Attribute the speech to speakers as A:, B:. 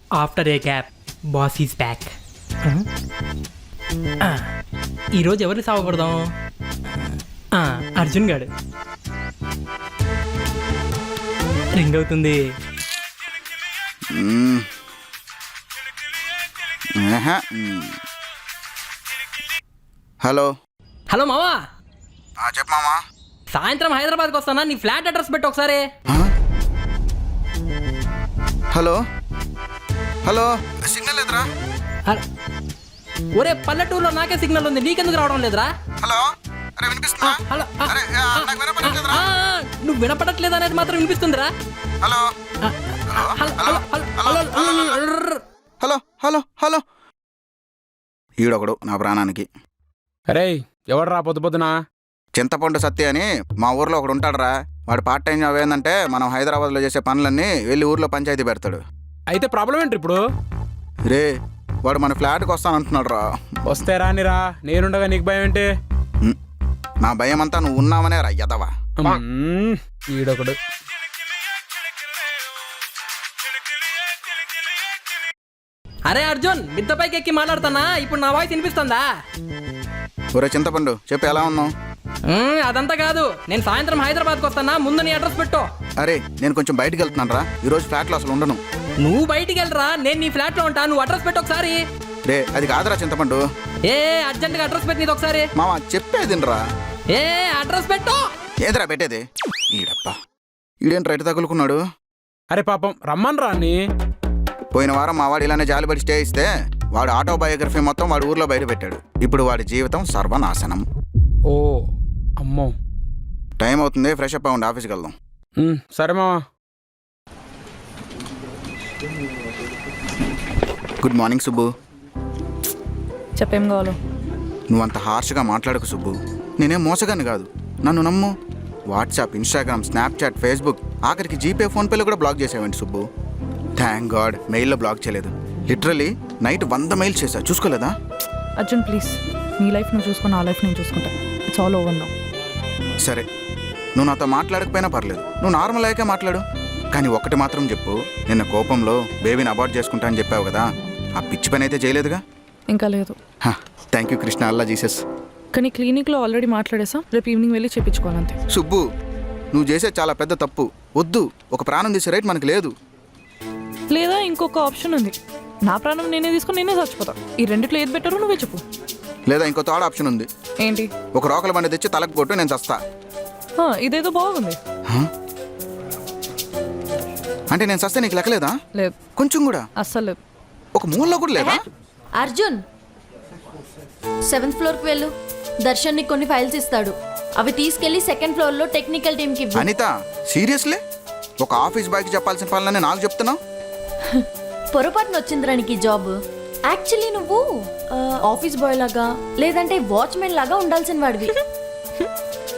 A: After a gap boss is back. ఈరోజు ఎవరిని సావకూడదాం? అర్జున్ గాడు. రింగ్ అవుతుంది.
B: హలో
A: హలో మావా,
B: చెప్పు మామా.
A: సాయంత్రం హైదరాబాద్కి వస్తానా, నీ ఫ్లాట్ అడ్రస్ పెట్టు ఒకసారి.
B: హలో హలో, సిగ్నల్ లేదురా.
A: ఒరే, పల్లెటూరులో నాకే సిగ్నల్ ఉంది, నీకెందుకు రావడం లేదురా?
B: హలో, అరే వినిపిస్తుందా?
A: హలో,
B: అరే నాకు వినపడట్లేదురా.
A: నువ్వు వినపడట్లేదు అనేది మాత్రం వినిపిస్తుందిరా.
B: Hello hello hello hello. ఈడొకడు నా ప్రాణానికి.
C: అరే ఎవడరా పొద్దు పొద్దున?
B: చింతపండు సత్య అని మా ఊర్లో ఒకడు ఉంటాడురా. వాడు పార్ట్ టైం జాబ్ ఏంటంటే మనం హైదరాబాద్లో చేసే పనులన్నీ వెళ్ళి ఊర్లో పంచాయతీ పెడతాడు.
C: అయితే ప్రాబ్లం ఏంటి ఇప్పుడు?
B: రే, వాడు మన ఫ్లాట్కి వస్తానంటున్నాడు రా.
C: వస్తే రానిరా, నేనుండగా నీకు భయం ఏంటి?
B: నా భయం అంతా నువ్వు ఉన్నావనే రా యదవా.
C: ఈడొకడు.
A: అరే అర్జున్, మిద్ద పైకి ఎక్కి మాట్లాడుతానా? ఇప్పుడు నా వాయిస్ వినిపిస్తుందా?
B: ఒరే చింతపండు, చెప్పు ఎలా ఉన్నావు?
A: అదంతా కాదు, నేను సాయంత్రం హైదరాబాద్కి వస్తానా, ముందు నీ అడ్రస్ పెట్టు.
B: అరే నేను కొంచెం బయటికి వెళ్తున్నాను రా, ఈరోజు ఫ్లాట్లో అసలు ఉండను.
A: నువ్వు బయటికి వెళ్ళరా, నేను నీ ఫ్లాట్లో ఉంటా. నువ్వు అడ్రస్ పెట్టు ఒకసారి.
B: రే అది కాదురా చింతపండు.
A: అర్జెంట్గా అడ్రస్ పెట్టి నీది ఒకసారి.
B: మామ చెప్పేదిరా.
A: అడ్రస్ పెట్టు.
B: ఏదిరా పెట్టేది? ఈడప్పా, ఈడేంటి రైట్ తగులుకున్నాడు.
C: అరే పాపం రమ్మని రా అన్ని.
B: పోయిన వారం మా వాడు ఇలానే జాలిపడి స్టే ఇస్తే వాడు ఆటోబయోగ్రఫీ మొత్తం వాడు ఊర్లో బయట పెట్టాడు. ఇప్పుడు వాడి జీవితం సర్వనాశనం.
C: ఓ అమ్మో,
B: టైం అవుతుంది, ఫ్రెష్ అప్ అవ్వండి, ఆఫీస్కి వెళ్దాం.
C: సరే మావా.
B: Good morning Subbu.
D: చెప్పేం కావాలో?
B: నువ్వంత హార్ష్గా మాట్లాడకు సుబ్బు. నేనేం మోసగాన్ని కాదు, నన్ను నమ్ము. వాట్సాప్, ఇన్స్టాగ్రామ్, స్నాప్చాట్, ఫేస్బుక్, ఆఖరికి జీపే, ఫోన్పేలో కూడా బ్లాక్ చేసావండి సుబ్బు. థ్యాంక్ గాడ్ మెయిల్లో బ్లాక్ చేయలేదు. లిటరలీ నైట్ 100 మెయిల్స్ చేశా, చూసుకోలేదా?
D: అర్జున్ ప్లీజ్, నీ లైఫ్ నువ్వు చూసుకుని నా లైఫ్ నేను చూసుకుంటా. It's all over now.
B: సరే, నువ్వు నాతో మాట్లాడకపోయినా పర్లేదు, నువ్వు నార్మల్ అయ్యాకే మాట్లాడు. కానీ ఒక్కటి మాత్రం చెప్పు, నిన్న కోపంలో బేబీని అబార్ట్ చేసుకుంటా అని చెప్పావు కదా, ఆ పిచ్చి పని అయితే చేయలేదుగా?
D: ఇంకా లేదు.
B: Thank you Krishna, Allah Jesus.
D: కానీ క్లినిక్లో ఆల్రెడీ మాట్లాడేసాం, రేపు ఈవినింగ్ వెళ్ళి చేయించుకోవాలంతే.
B: సుబ్బు, నువ్వు చేసే చాలా పెద్ద తప్పు. వద్దు, ఒక ప్రాణం తీసే రైట్ మనకు లేదు.
D: లేదా ఇంకొక ఆప్షన్ ఉంది, నా ప్రాణం నేనే తీసుకుని నేనే చచ్చిపోతా. ఈ రెండిట్లో ఏది బెటరో నువ్వే చెప్పు.
B: లేదా ఇంకో థర్డ్ ఆప్షన్ ఉంది.
D: ఏంటి?
B: ఒక రోకల బండి తెచ్చి తలకు కొట్టు, నేను చస్తా.
D: ఇదేదో బాగుంది.
B: అంటే నేను చస్తే నీకు లెక్కలేదా?
D: లేదు,
B: కొంచెం కూడా
D: అస్సలు లేదు.
B: ఒక మూలలో కూడా లేదా?
E: అర్జున్ 7th ఫ్లోర్కి వెళ్ళు. దర్శన్ నీకు కొన్ని ఫైల్స్ ఇస్తాడు, అవి తీసుకెళ్లి 2nd ఫ్లోర్లో టెక్నికల్ టీమ్కి ఇవ్వు.
B: అనిత సీరియస్లీ? ఒక ఆఫీస్ బాయ్కి చెప్పాల్సిన పనులన్నీ నాకు చెప్తున్నావు?
E: పొరపాటున వచ్చిందిరా నీకు ఈ జాబ్. యాక్చువల్లీ నువ్వు ఆఫీస్ బాయ్ లాగా లేదంటే వాచ్మెన్ లాగా ఉండాల్సిన వాడివి.